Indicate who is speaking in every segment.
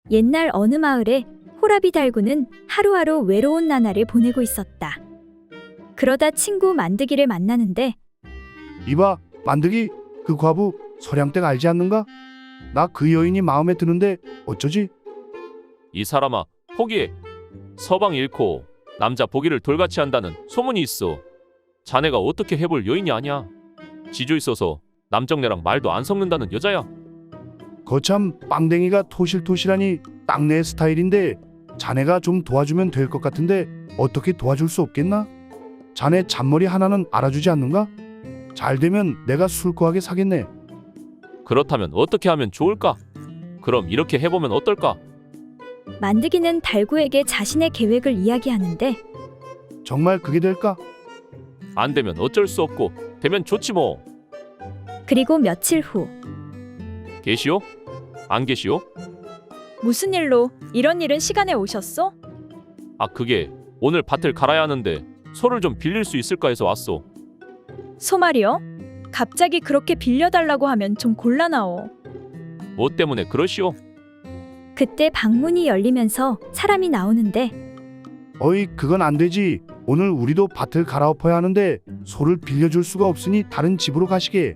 Speaker 1: 옛날 어느 마을에 호라비 달구는 하루하루 외로운 나날을 보내고 있었다. 그러다 친구 만드기를 만나는데
Speaker 2: 이봐, 만드기, 그 과부 서량댁 알지 않는가? 나 그 여인이 마음에 드는데 어쩌지?
Speaker 3: 이 사람아, 포기해. 서방 잃고 남자 보기를 돌같이 한다는 소문이 있어. 자네가 어떻게 해볼 여인이 아니야. 지조 있어서 남정네랑 말도 안 섞는다는 여자야.
Speaker 2: 거참 빵댕이가 토실토실하니 딱 내 스타일인데 자네가 좀 도와주면 될 것 같은데 어떻게 도와줄 수 없겠나? 자네 잔머리 하나는 알아주지 않는가? 잘 되면 내가 술고하게 사겠네.
Speaker 3: 그렇다면 어떻게 하면 좋을까? 그럼 이렇게 해보면 어떨까?
Speaker 1: 만드기는 달구에게 자신의 계획을 이야기하는데
Speaker 2: 정말 그게 될까?
Speaker 3: 안 되면 어쩔 수 없고 되면 좋지 뭐.
Speaker 1: 그리고 며칠 후
Speaker 3: 계시오? 안 계시오?
Speaker 4: 무슨 일로 이런 일은 시간에 오셨어?
Speaker 3: 아, 그게 오늘 밭을 갈아야 하는데 소를 좀 빌릴 수 있을까 해서 왔소.
Speaker 4: 소 말이요? 갑자기 그렇게 빌려달라고 하면 좀 곤란하오.
Speaker 3: 뭐 때문에 그러시오?
Speaker 1: 그때 방문이 열리면서 사람이 나오는데
Speaker 2: 어이, 그건 안 되지. 오늘 우리도 밭을 갈아엎어야 하는데 소를 빌려줄 수가 없으니 다른 집으로 가시게.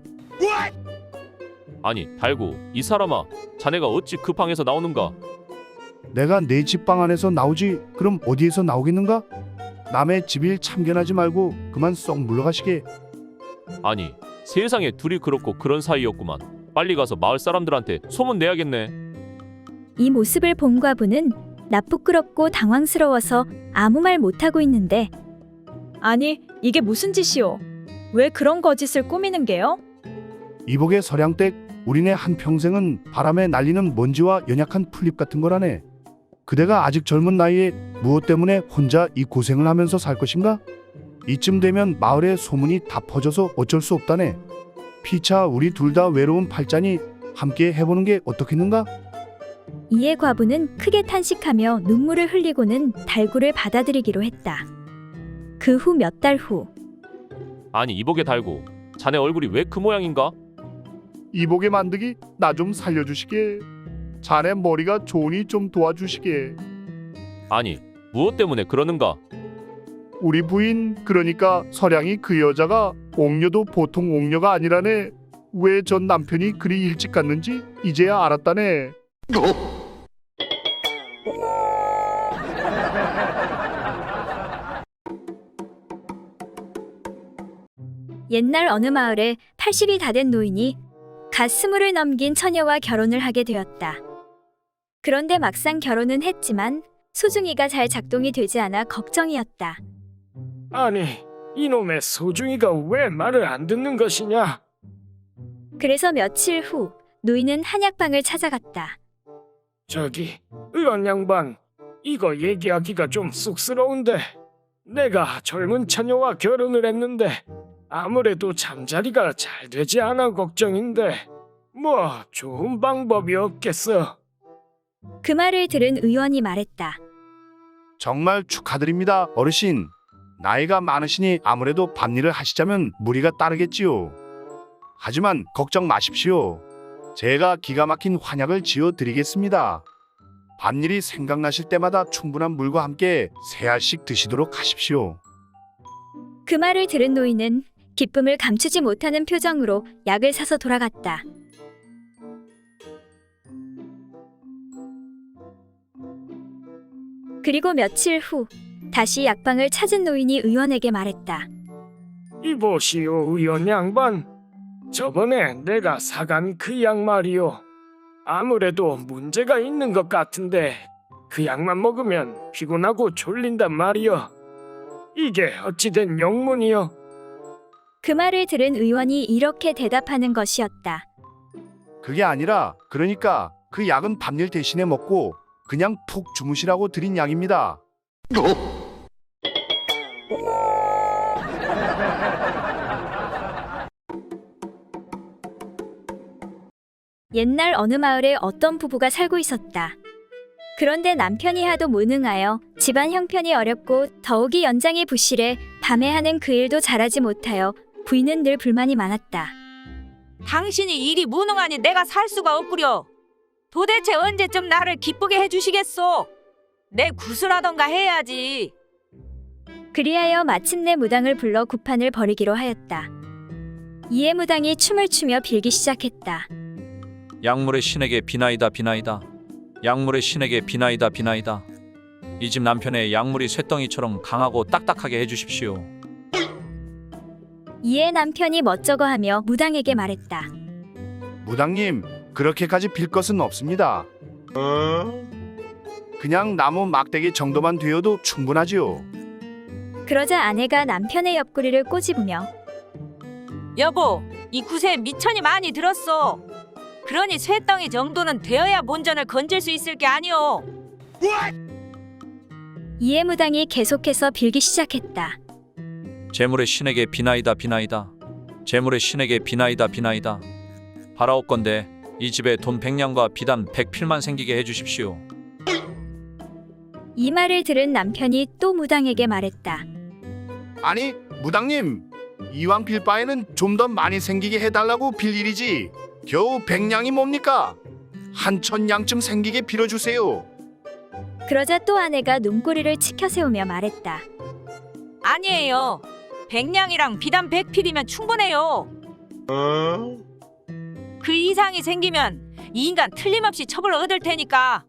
Speaker 3: 아니, 달구, 이 사람아, 자네가 어찌 그 방에서 나오는가?
Speaker 2: 내가 내 집 방 안에서 나오지 그럼 어디에서 나오겠는가? 남의 집일 참견하지 말고 그만 썩 물러가시게.
Speaker 3: 아니, 세상에 둘이 그렇고 그런 사이였구만. 빨리 가서 마을 사람들한테 소문 내야겠네.
Speaker 1: 이 모습을 본 과부는 나쁘끄럽고 당황스러워서 아무 말 못하고 있는데
Speaker 4: 아니, 이게 무슨 짓이오? 왜 그런 거짓을 꾸미는 게요?
Speaker 2: 이복의 서량댁, 우리네 한평생은 바람에 날리는 먼지와 연약한 풀잎 같은 거라네. 그대가 아직 젊은 나이에 무엇 때문에 혼자 이 고생을 하면서 살 것인가? 이쯤 되면 마을에 소문이 다 퍼져서 어쩔 수 없다네. 피차 우리 둘 다 외로운 팔자니 함께 해보는 게 어떻겠는가?
Speaker 1: 이에 과부는 크게 탄식하며 눈물을 흘리고는 달구를 받아들이기로 했다. 그 후 몇 달 후
Speaker 3: 아니, 이복에 달구, 자네 얼굴이 왜 그 모양인가?
Speaker 2: 이복의 만드기, 나 좀 살려주시게. 자네 머리가 좋으니 좀 도와주시게.
Speaker 3: 아니, 무엇 때문에 그러는가?
Speaker 2: 우리 부인, 그러니까 서량이 그 여자가 옥녀도 보통 옥녀가 아니라네. 왜 전 남편이 그리 일찍 갔는지 이제야 알았다네.
Speaker 1: 옛날 어느 마을에 80이 다 된 노인이 갓 20을 넘긴 처녀와 결혼을 하게 되었다. 그런데 막상 결혼은 했지만 소중이가 잘 작동이 되지 않아 걱정이었다.
Speaker 5: 아니, 이놈의 소중이가 왜 말을 안 듣는 것이냐?
Speaker 1: 그래서 며칠 후 노인은 한약방을 찾아갔다.
Speaker 5: 저기, 의원 양반, 이거 얘기하기가 좀 쑥스러운데 내가 젊은 처녀와 결혼을 했는데 아무래도 잠자리가 잘 되지 않아 걱정인데 뭐 좋은 방법이 없겠어?
Speaker 1: 그 말을 들은 의원이 말했다.
Speaker 2: 정말 축하드립니다, 어르신. 나이가 많으시니 아무래도 밭일을 하시자면 무리가 따르겠지요. 하지만 걱정 마십시오. 제가 기가 막힌 환약을 지어 드리겠습니다. 밭일이 생각나실 때마다 충분한 물과 함께 세 알씩 드시도록 하십시오.
Speaker 1: 그 말을 들은 노인은 기쁨을 감추지 못하는 표정으로 약을 사서 돌아갔다. 그리고 며칠 후 다시 약방을 찾은 노인이 의원에게 말했다.
Speaker 5: 이보시오, 의원 양반. 저번에 내가 사간 그 약 말이오. 아무래도 문제가 있는 것 같은데 그 약만 먹으면 피곤하고 졸린단 말이오. 이게 어찌된 영문이오?
Speaker 1: 그 말을 들은 의원이 이렇게 대답하는 것이었다.
Speaker 2: 그게 아니라, 그러니까 그 약은 밭일 대신에 먹고 그냥 푹 주무시라고 드린 약입니다.
Speaker 1: 옛날 어느 마을에 어떤 부부가 살고 있었다. 그런데 남편이 하도 무능하여 집안 형편이 어렵고 더욱이 연장이 부실해 밤에 하는 그 일도 잘하지 못하여 부인은 늘 불만이 많았다.
Speaker 6: 당신이 일이 무능하니 내가 살 수가 없구려. 도대체 언제쯤 나를 기쁘게 해주시겠소? 내 구슬하던가 해야지.
Speaker 1: 그리하여 마침내 무당을 불러 구판을 벌이기로 하였다. 이에 무당이 춤을 추며 빌기 시작했다.
Speaker 7: 약물의 신에게 비나이다 비나이다. 약물의 신에게 비나이다 비나이다. 이 집 남편의 약물이 쇳덩이처럼 강하고 딱딱하게 해주십시오.
Speaker 1: 이에 남편이 멋쩍어하며 무당에게 말했다.
Speaker 2: 무당님, 그렇게까지 빌 것은 없습니다. 그냥 나무 막대기 정도만 되어도 충분하지요.
Speaker 1: 그러자 아내가 남편의 옆구리를 꼬집으며
Speaker 6: 여보, 이 굿에 미천이 많이 들었어. 그러니 쇳덩이 정도는 되어야 본전을 건질 수 있을 게 아니오.
Speaker 1: 이에 무당이 계속해서 빌기 시작했다.
Speaker 7: 재물의 신에게 비나이다 비나이다. 재물의 신에게 비나이다 비나이다. 바라옵건대 이 집에 돈 100냥과 비단 100필만 생기게 해주십시오.
Speaker 1: 이 말을 들은 남편이 또 무당에게 말했다.
Speaker 2: 아니, 무당님, 이왕 빌 바에는 좀 더 많이 생기게 해달라고 빌 일이지. 겨우 100냥이 뭡니까? 한 1000냥쯤 생기게 빌어주세요.
Speaker 1: 그러자 또 아내가 눈꼬리를 치켜 세우며 말했다.
Speaker 6: 아니에요. 100냥이랑 비단 100필이면 충분해요. 그 이상이 생기면 이 인간 틀림없이 첩을 얻을 테니까.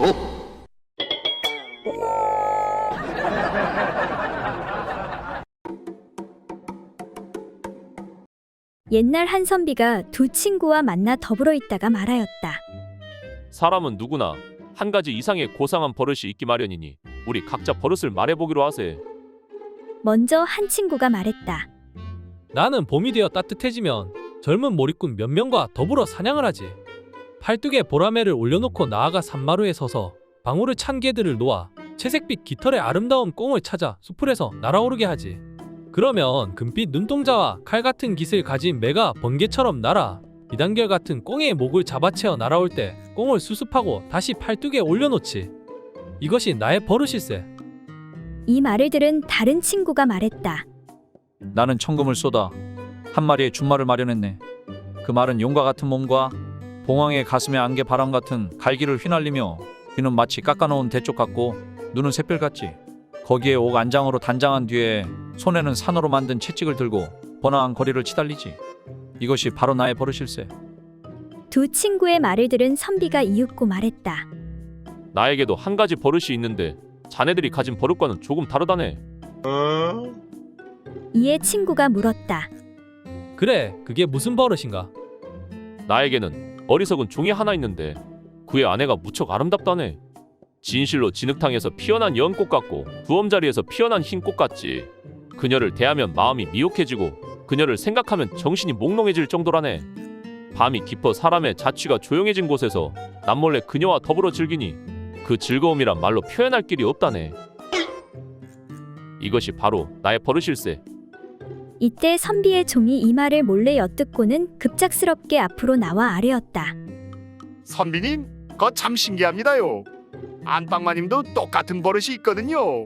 Speaker 1: 옛날 한선비가 두 친구와 만나 더불어 있다가 말하였다.
Speaker 3: 사람은 누구나 한 가지 이상의 고상한 버릇이 있기 마련이니 우리 각자 버릇을 말해보기로 하세.
Speaker 1: 먼저 한 친구가 말했다.
Speaker 8: 나는 봄이 되어 따뜻해지면 젊은 몰입꾼 몇 명과 더불어 사냥을 하지. 팔뚝에 보라매를 올려놓고 나아가 산마루에 서서 방울을 찬 개들을 놓아 채색빛 깃털의 아름다운 꽁을 찾아 수풀에서 날아오르게 하지. 그러면 금빛 눈동자와 칼 같은 깃을 가진 매가 번개처럼 날아 비단결 같은 꽁의 목을 잡아채어 날아올 때 꽁을 수습하고 다시 팔뚝에 올려놓지. 이것이 나의 버릇일세.
Speaker 1: 이 말을 들은 다른 친구가 말했다.
Speaker 7: 나는 천금을 쏟아 한 마리의 준말을 마련했네. 그 말은 용과 같은 몸과 봉황의 가슴에 안개 바람 같은 갈기를 휘날리며 귀는 마치 깎아놓은 대쪽 같고 눈은 샛별 같지. 거기에 옥 안장으로 단장한 뒤에 손에는 산으로 만든 채찍을 들고 번화한 거리를 치달리지. 이것이 바로 나의 버릇일세.
Speaker 1: 두 친구의 말을 들은 선비가 이윽고 말했다.
Speaker 3: 나에게도 한 가지 버릇이 있는데 자네들이 가진 버릇과는 조금 다르다네.
Speaker 1: 이에 친구가 물었다.
Speaker 8: 그래, 그게 무슨 버릇인가?
Speaker 3: 나에게는 어리석은 종이 하나 있는데 그의 아내가 무척 아름답다네. 진실로 진흙탕에서 피어난 연꽃 같고 두엄자리에서 피어난 흰꽃 같지. 그녀를 대하면 마음이 미혹해지고 그녀를 생각하면 정신이 몽롱해질 정도라네. 밤이 깊어 사람의 자취가 조용해진 곳에서 남몰래 그녀와 더불어 즐기니 그 즐거움이란 말로 표현할 길이 없다네. 이것이 바로 나의 버릇일세.
Speaker 1: 이때 선비의 종이 이 말을 몰래 엿듣고는 급작스럽게 앞으로 나와 아뢰었다.
Speaker 2: 선비님, 그거 참 신기합니다요. 안방마님도 똑같은 버릇이 있거든요.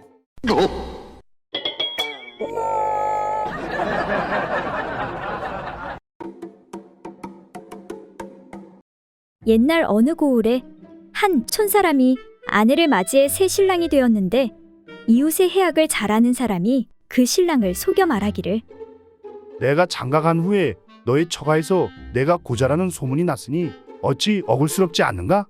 Speaker 1: 옛날 어느 고을에 한 촌사람이 아내를 맞이해 새 신랑이 되었는데 이웃의 해악을 잘 아는 사람이 그 신랑을 속여 말하기를
Speaker 2: 내가 장가간 후에 너의 처가에서 내가 고자라는 소문이 났으니 어찌 억울스럽지 않는가?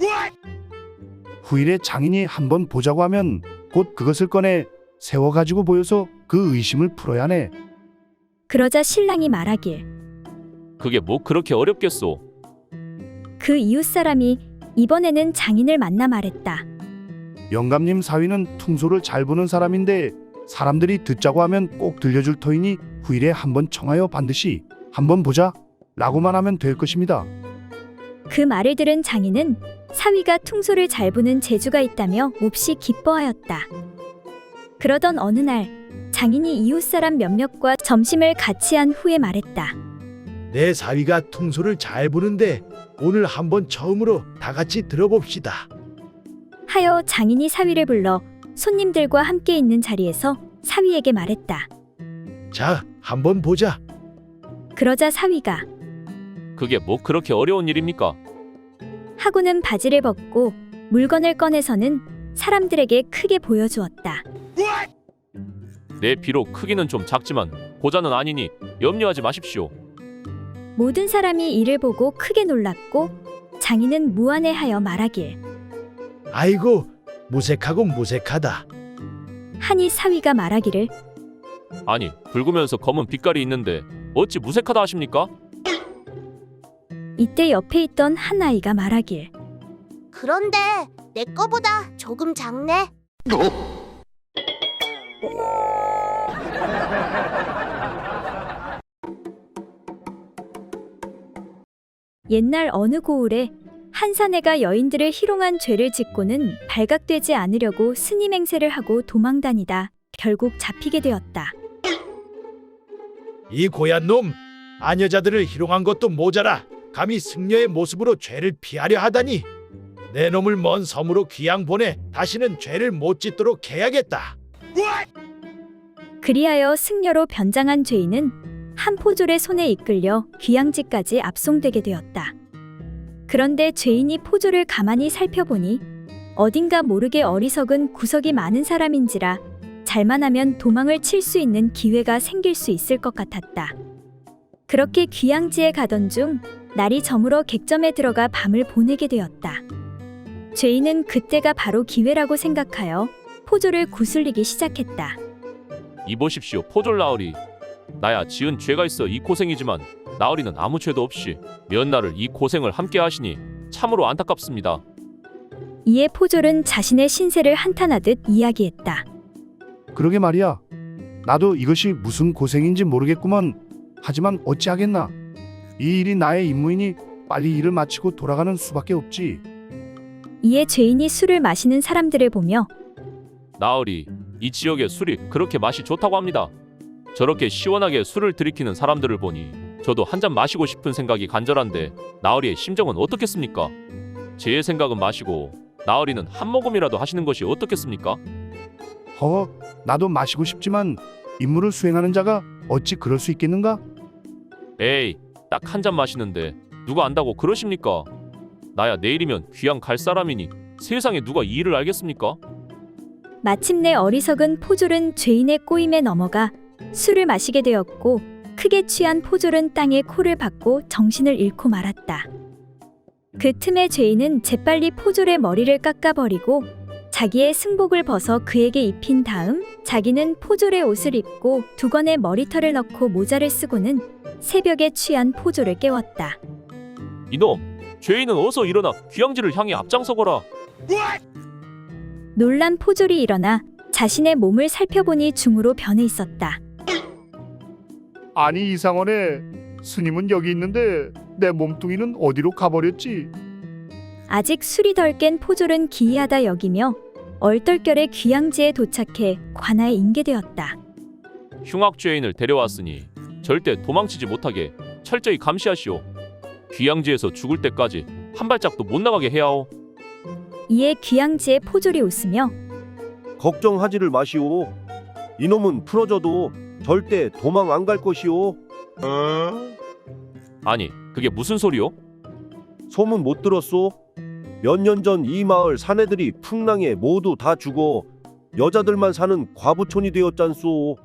Speaker 2: 후일에 장인이 한번 보자고 하면 곧 그것을 꺼내 세워가지고 보여서 그 의심을 풀어야 하네.
Speaker 1: 그러자 신랑이 말하길
Speaker 3: 그게 뭐 그렇게 어렵겠소.
Speaker 1: 그 이웃 사람이 이번에는 장인을 만나 말했다.
Speaker 2: 영감님 사위는 퉁소를 잘 부는 사람인데 사람들이 듣자고 하면 꼭 들려줄 터이니 후일에 한번 청하여 반드시 한번 보자 라고만 하면 될 것입니다.
Speaker 1: 그 말을 들은 장인은 사위가 퉁소를 잘 부는 재주가 있다며 몹시 기뻐하였다. 그러던 어느 날 장인이 이웃 사람 몇몇과 점심을 같이 한 후에 말했다.
Speaker 9: 내 사위가 퉁소를 잘 부는데 오늘 한번 처음으로 다 같이 들어봅시다.
Speaker 1: 하여 장인이 사위를 불러 손님들과 함께 있는 자리에서 사위에게 말했다.
Speaker 9: 자, 한번 보자.
Speaker 1: 그러자 사위가
Speaker 3: 그게 뭐 그렇게 어려운 일입니까?
Speaker 1: 하고는 바지를 벗고 물건을 꺼내서는 사람들에게 크게 보여주었다.
Speaker 3: 내 비록 크기는 좀 작지만 고자는 아니니 염려하지 마십시오.
Speaker 1: 모든 사람이 이를 보고 크게 놀랐고 장인은 무안해하여 말하길
Speaker 9: 아이고 무색하고 무색하다.
Speaker 1: 하니 사위가 말하기를
Speaker 3: 아니 붉으면서 검은 빛깔이 있는데 어찌 무색하다 하십니까?
Speaker 1: 이때 옆에 있던 한 아이가 말하길
Speaker 10: 그런데 내 거보다 조금 작네.
Speaker 1: 옛날 어느 고을에 한 사내가 여인들을 희롱한 죄를 짓고는 발각되지 않으려고 스님 행세를 하고 도망다니다 결국 잡히게 되었다.
Speaker 9: 이 고얀 놈, 아녀자들을 희롱한 것도 모자라 감히 승려의 모습으로 죄를 피하려 하다니. 내 놈을 먼 섬으로 귀양 보내 다시는 죄를 못 짓도록 해야겠다.
Speaker 1: 그리하여 승려로 변장한 죄인은 한 포졸의 손에 이끌려 귀양지까지 압송되게 되었다. 그런데 죄인이 포졸을 가만히 살펴보니 어딘가 모르게 어리석은 구석이 많은 사람인지라 잘만 하면 도망을 칠 수 있는 기회가 생길 수 있을 것 같았다. 그렇게 귀양지에 가던 중 날이 저물어 객점에 들어가 밤을 보내게 되었다. 죄인은 그때가 바로 기회라고 생각하여 포졸을 구슬리기 시작했다.
Speaker 3: 이보십시오 포졸 나으리. 나야 지은 죄가 있어 이 고생이지만 나으리는 아무 죄도 없이 몇 날을 이 고생을 함께 하시니 참으로 안타깝습니다.
Speaker 1: 이에 포졸은 자신의 신세를 한탄하듯 이야기했다.
Speaker 2: 그러게 말이야. 나도 이것이 무슨 고생인지 모르겠구먼. 하지만 어찌하겠나. 이 일이 나의 임무이니 빨리 일을 마치고 돌아가는 수밖에 없지.
Speaker 1: 이에 죄인이 술을 마시는 사람들을 보며
Speaker 3: 나으리, 이 지역의 술이 그렇게 맛이 좋다고 합니다. 저렇게 시원하게 술을 들이키는 사람들을 보니 저도 한 잔 마시고 싶은 생각이 간절한데 나으리의 심정은 어떻겠습니까? 제 생각은 마시고 나으리는 한 모금이라도 하시는 것이 어떻겠습니까?
Speaker 2: 허, 나도 마시고 싶지만 임무를 수행하는 자가 어찌 그럴 수 있겠는가?
Speaker 3: 에이, 딱 한 잔 마시는데 누가 안다고 그러십니까? 나야 내일이면 귀양 갈 사람이니 세상에 누가 이 일을 알겠습니까?
Speaker 1: 마침내 어리석은 포졸은 죄인의 꼬임에 넘어가 술을 마시게 되었고 크게 취한 포졸은 땅에 코를 박고 정신을 잃고 말았다. 그 틈에 죄인은 재빨리 포졸의 머리를 깎아버리고 자기의 승복을 벗어 그에게 입힌 다음 자기는 포졸의 옷을 입고 두건의 머리털을 넣고 모자를 쓰고는 새벽에 취한 포졸을 깨웠다.
Speaker 3: 이놈, 죄인은 어서 일어나 귀양지를 향해 앞장서거라.
Speaker 1: 놀란 포졸이 일어나 자신의 몸을 살펴보니 중으로 변해 있었다.
Speaker 2: 아니 이상하네. 스님은 여기 있는데 내 몸뚱이는 어디로 가버렸지?
Speaker 1: 아직 술이 덜 깬 포졸은 기이하다 여기며 얼떨결에 귀양지에 도착해 관아에 인계되었다.
Speaker 3: 흉악 죄인을 데려왔으니 절대 도망치지 못하게 철저히 감시하시오. 귀양지에서 죽을 때까지 한 발짝도 못 나가게 해야오.
Speaker 1: 이에 귀양지에 포졸이 웃으며
Speaker 11: 걱정하지를 마시오. 이놈은 풀어져도 절대 도망 안 갈 것이오.
Speaker 3: 아니, 그게 무슨 소리요?
Speaker 11: 소문 못 들었소? 몇 년 전 이 마을 사내들이 풍랑에 모두 다 죽어 여자들만 사는 과부촌이 되었잖소.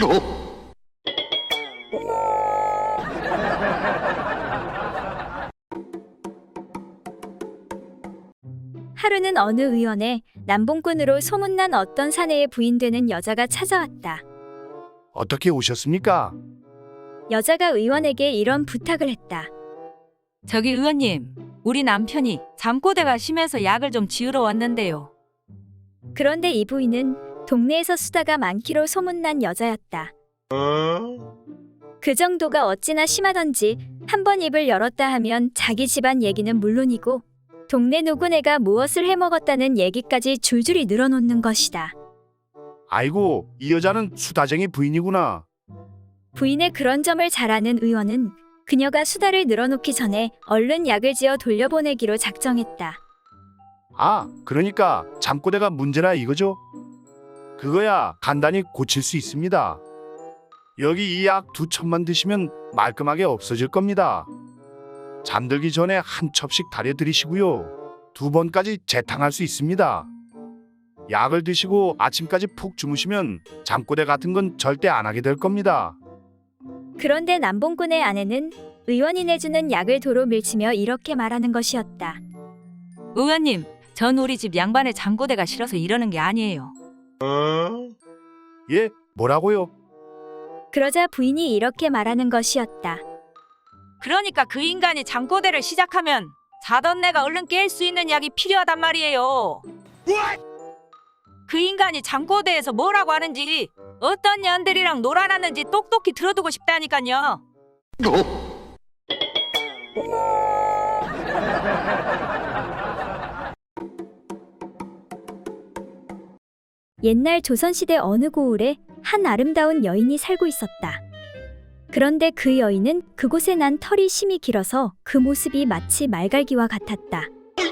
Speaker 1: 하루는 어느 의원에 남봉꾼으로 소문난 어떤 사내의 부인되는 여자가 찾아왔다.
Speaker 2: 어떻게 오셨습니까?
Speaker 1: 여자가 의원에게 이런 부탁을 했다.
Speaker 6: 저기 의원님, 우리 남편이 잠꼬대가 심해서 약을 좀 지으러 왔는데요.
Speaker 1: 그런데 이 부인은 동네에서 수다가 많기로 소문난 여자였다. 그 정도가 어찌나 심하던지 한번 입을 열었다 하면 자기 집안 얘기는 물론이고 동네 누구네가 무엇을 해먹었다는 얘기까지 줄줄이 늘어놓는 것이다.
Speaker 2: 아이고, 이 여자는 수다쟁이 부인이구나.
Speaker 1: 부인의 그런 점을 잘 아는 의원은 그녀가 수다를 늘어놓기 전에 얼른 약을 지어 돌려보내기로 작정했다.
Speaker 2: 아, 그러니까 잠꼬대가 문제라 이거죠? 그거야 간단히 고칠 수 있습니다. 여기 이 약 2첩만 드시면 말끔하게 없어질 겁니다. 잠들기 전에 한 첩씩 다려드리시고요. 2번까지 재탕할 수 있습니다. 약을 드시고 아침까지 푹 주무시면 잠꼬대 같은 건 절대 안 하게 될 겁니다.
Speaker 1: 그런데 남봉꾼의 아내는 의원이 내주는 약을 도로 밀치며 이렇게 말하는 것이었다.
Speaker 6: 의원님, 전 우리 집 양반의 잠꼬대가 싫어서 이러는 게 아니에요.
Speaker 2: 예, 뭐라고요?
Speaker 1: 그러자 부인이 이렇게 말하는 것이었다.
Speaker 6: 그러니까 그 인간이 잠꼬대를 시작하면 자던 내가 얼른 깰 수 있는 약이 필요하단 말이에요. 그 인간이 잠꼬대에서 뭐라고 하는지 어떤 년들이랑 놀아놨는지 똑똑히 들어두고 싶다니까요.
Speaker 1: 옛날 조선시대 어느 고을에 한 아름다운 여인이 살고 있었다. 그런데 그 여인은 그곳에 난 털이 심이 길어서 그 모습이 마치 말갈기와 같았다.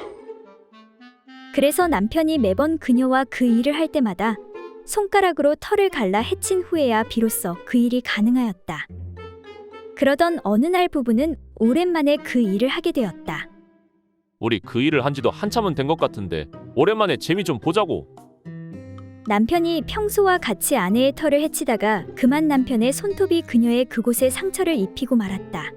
Speaker 1: 그래서 남편이 매번 그녀와 그 일을 할 때마다 손가락으로 털을 갈라 해친 후에야 비로소 그 일이 가능하였다. 그러던 어느 날 부부는 오랜만에 그 일을 하게 되었다.
Speaker 3: 우리 그 일을 한 지도 한참은 된 것 같은데 오랜만에 재미 좀 보자고.
Speaker 1: 남편이 평소와 같이 아내의 털을 해치다가 그만 남편의 손톱이 그녀의 그곳에 상처를 입히고 말았다.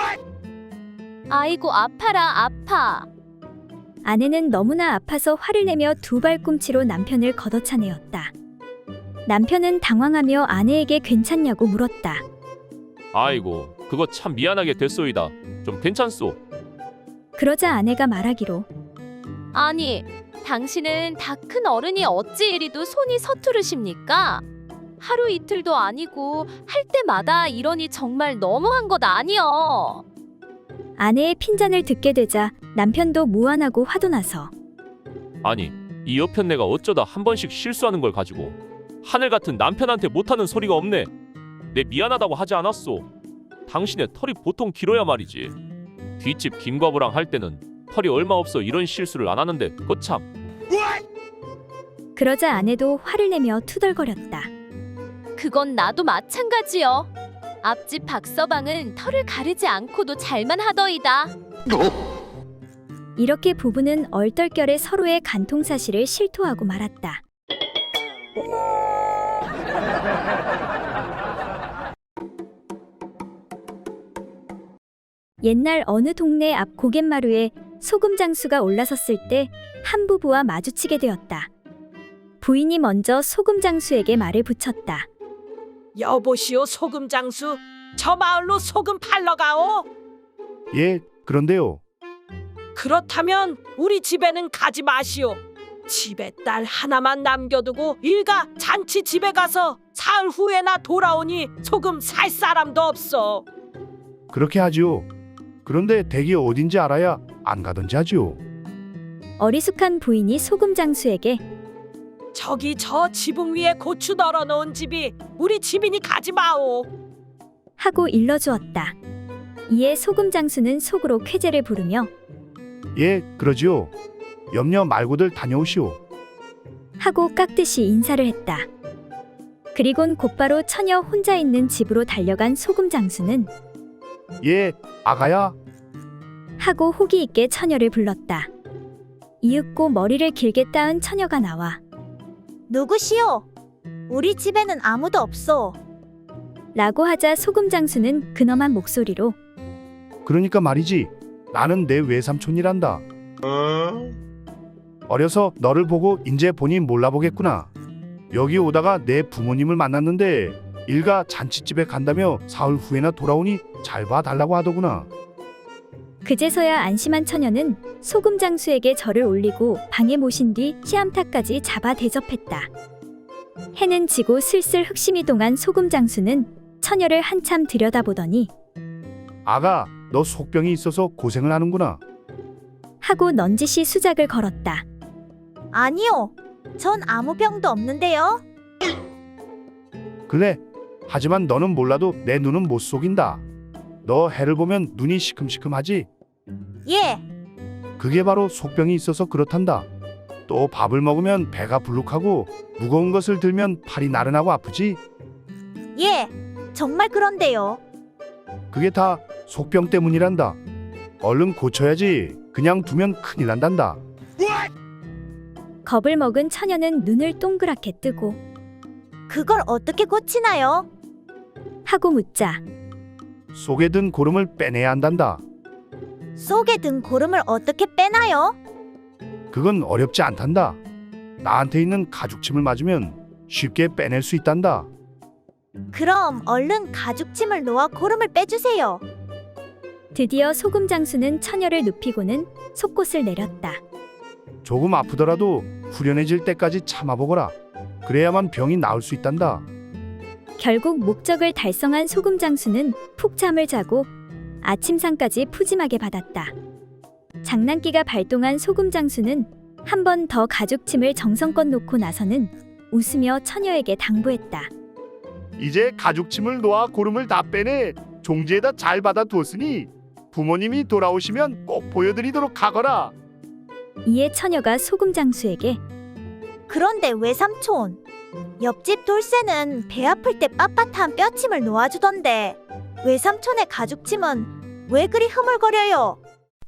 Speaker 10: 아이고 아파라 아파.
Speaker 1: 아내는 너무나 아파서 화를 내며 2발꿈치로 남편을 걷어차내었다. 남편은 당황하며 아내에게 괜찮냐고 물었다.
Speaker 3: 아이고, 그거 참 미안하게 됐소이다. 좀 괜찮소?
Speaker 1: 그러자 아내가 말하기로
Speaker 10: 아니, 당신은 다 큰 어른이 어찌 이리도 손이 서투르십니까? 하루 이틀도 아니고 할 때마다 이러니 정말 너무한 것 아니여.
Speaker 1: 아내의 핀잔을 듣게 되자 남편도 무안하고 화도 나서
Speaker 3: 아니, 이 여편네가 어쩌다 한 번씩 실수하는 걸 가지고 하늘 같은 남편한테 못하는 소리가 없네. 내 미안하다고 하지 않았소. 당신의 털이 보통 길어야 말이지. 뒷집 김과부랑 할 때는 털이 얼마 없어 이런 실수를 안 하는데 거참.
Speaker 1: 그러자 아내도 화를 내며 투덜거렸다.
Speaker 10: 그건 나도 마찬가지여. 앞집 박서방은 털을 가르지 않고도 잘만 하더이다.
Speaker 1: 이렇게 부부는 얼떨결에 서로의 간통 사실을 실토하고 말았다. 옛날 어느 동네 앞 고갯마루에 소금 장수가 올라섰을 때 한 부부와 마주치게 되었다. 부인이 먼저 소금 장수에게 말을 붙였다.
Speaker 12: 여보시오 소금 장수, 저 마을로 소금 팔러 가오.
Speaker 2: 예, 그런데요.
Speaker 12: 그렇다면 우리 집에는 가지 마시오. 집에 딸 하나만 남겨두고 일가 잔치 집에 가서 사흘 후에나 돌아오니 소금 살 사람도 없어.
Speaker 2: 그렇게 하지요. 그런데 댁이 어딘지 알아야 안 가든지 하지요.
Speaker 1: 어리숙한 부인이 소금 장수에게
Speaker 12: 저기 저 지붕 위에 고추 널어놓은 집이 우리 집이니 가지 마오.
Speaker 1: 하고 일러주었다. 이에 소금 장수는 속으로 쾌재를 부르며
Speaker 2: 예, 그러지요. 염려 말고들 다녀오시오.
Speaker 1: 하고 깍듯이 인사를 했다. 그리곤 곧바로 처녀 혼자 있는 집으로 달려간 소금 장수는
Speaker 2: 예, 아가야.
Speaker 1: 하고 호기 있게 처녀를 불렀다. 이윽고 머리를 길게 따은 처녀가 나와
Speaker 10: 누구시오? 우리 집에는 아무도 없어.
Speaker 1: 라고 하자 소금 장수는 근엄한 목소리로
Speaker 2: 그러니까 말이지. 나는 내 외삼촌이란다. 어려서 너를 보고 인제 보니 몰라보겠구나. 여기 오다가 내 부모님을 만났는데 일가 잔치집에 간다며 사흘 후에나 돌아오니 잘 봐달라고 하더구나.
Speaker 1: 그제서야 안심한 처녀는 소금 장수에게 절을 올리고 방에 모신 뒤 씨암탉까지 잡아 대접했다. 해는 지고 슬슬 흑심이 동한 소금 장수는 처녀를 한참 들여다보더니
Speaker 2: 아가, 너 속병이 있어서 고생을 하는구나.
Speaker 1: 하고 넌지시 수작을 걸었다.
Speaker 10: 아니요. 전 아무 병도 없는데요.
Speaker 2: 그래. 하지만 너는 몰라도 내 눈은 못 속인다. 너 해를 보면 눈이 시큼시큼하지?
Speaker 10: 예.
Speaker 2: 그게 바로 속병이 있어서 그렇단다. 또 밥을 먹으면 배가 불룩하고 무거운 것을 들면 팔이 나른하고 아프지?
Speaker 10: 예. 정말 그런데요.
Speaker 2: 그게 다 속병 때문이란다. 얼른 고쳐야지. 그냥 두면 큰일 난단다.
Speaker 1: 겁을 먹은 처녀는 눈을 동그랗게 뜨고
Speaker 13: 그걸 어떻게 고치나요?
Speaker 1: 하고 묻자
Speaker 2: 속에 든 고름을 빼내야 한단다.
Speaker 13: 속에 든 고름을 어떻게 빼나요?
Speaker 2: 그건 어렵지 않단다. 나한테 있는 가죽침을 맞으면 쉽게 빼낼 수 있단다.
Speaker 13: 그럼 얼른 가죽침을 놓아 고름을 빼주세요.
Speaker 1: 드디어 소금 장수는 처녀를 눕히고는 속곳을 내렸다.
Speaker 2: 조금 아프더라도 후련해질 때까지 참아보거라. 그래야만 병이 나을 수 있단다.
Speaker 1: 결국 목적을 달성한 소금 장수는 푹 잠을 자고 아침상까지 푸짐하게 받았다. 장난기가 발동한 소금 장수는 한 번 더 가죽침을 정성껏 놓고 나서는 웃으며 처녀에게 당부했다.
Speaker 2: 이제 가죽침을 놓아 고름을 다 빼내 종지에다 잘 받아두었으니 부모님이 돌아오시면 꼭 보여드리도록 하거라.
Speaker 1: 이에 처녀가 소금 장수에게
Speaker 13: 그런데 외삼촌, 옆집 돌쇠는 배 아플 때 빳빳한 뼈침을 놓아주던데 외삼촌의 가죽침은 왜 그리 흐물거려요?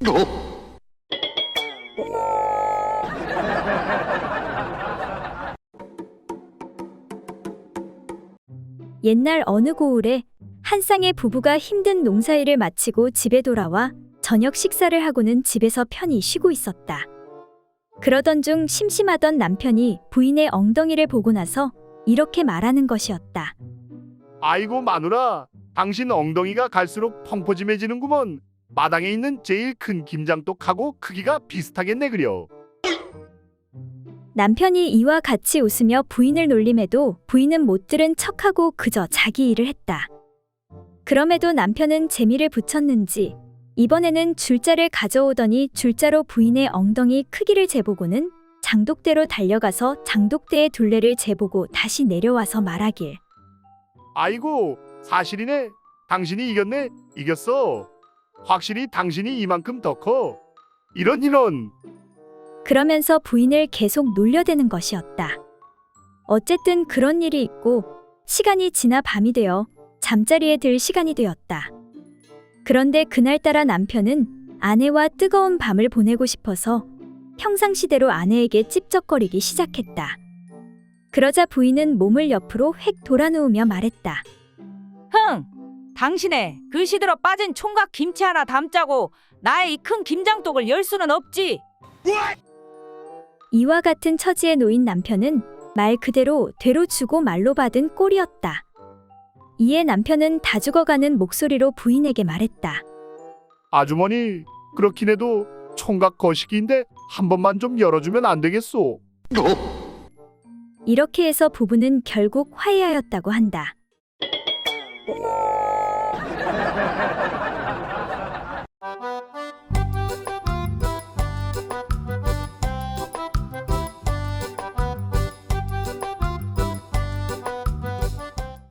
Speaker 1: 옛날 어느 고을에 한 쌍의 부부가 힘든 농사일을 마치고 집에 돌아와 저녁 식사를 하고는 집에서 편히 쉬고 있었다. 그러던 중 심심하던 남편이 부인의 엉덩이를 보고 나서 이렇게 말하는 것이었다.
Speaker 2: 아이고 마누라, 당신 엉덩이가 갈수록 펑퍼짐해지는구먼. 마당에 있는 제일 큰 김장떡하고 크기가 비슷하겠네 그려.
Speaker 1: 남편이 이와 같이 웃으며 부인을 놀림해도 부인은 못 들은 척하고 그저 자기 일을 했다. 그럼에도 남편은 재미를 붙였는지 이번에는 줄자를 가져오더니 줄자로 부인의 엉덩이 크기를 재보고는 장독대로 달려가서 장독대의 둘레를 재보고 다시 내려와서 말하길.
Speaker 2: 아이고 사실이네. 당신이 이겼네. 이겼어. 확실히 당신이 이만큼 더 커. 이런.
Speaker 1: 그러면서 부인을 계속 놀려대는 것이었다. 어쨌든 그런 일이 있고 시간이 지나 밤이 되어 잠자리에 들 시간이 되었다. 그런데 그날따라 남편은 아내와 뜨거운 밤을 보내고 싶어서 평상시대로 아내에게 찝쩍거리기 시작했다. 그러자 부인은 몸을 옆으로 획 돌아누우며 말했다.
Speaker 6: 흥! 당신의 그 시들어 빠진 총각 김치 하나 담자고 나의 이 큰 김장독을 열 수는 없지.
Speaker 1: 이와 같은 처지에 놓인 남편은 말 그대로 되로 주고 말로 받은 꼴이었다. 이에 남편은 다 죽어가는 목소리로 부인에게 말했다.
Speaker 2: 아주머니 그렇긴 해도 총각 거시기인데 한 번만 좀 열어주면 안 되겠소?
Speaker 1: 이렇게 해서 부부는 결국 화해하였다고 한다.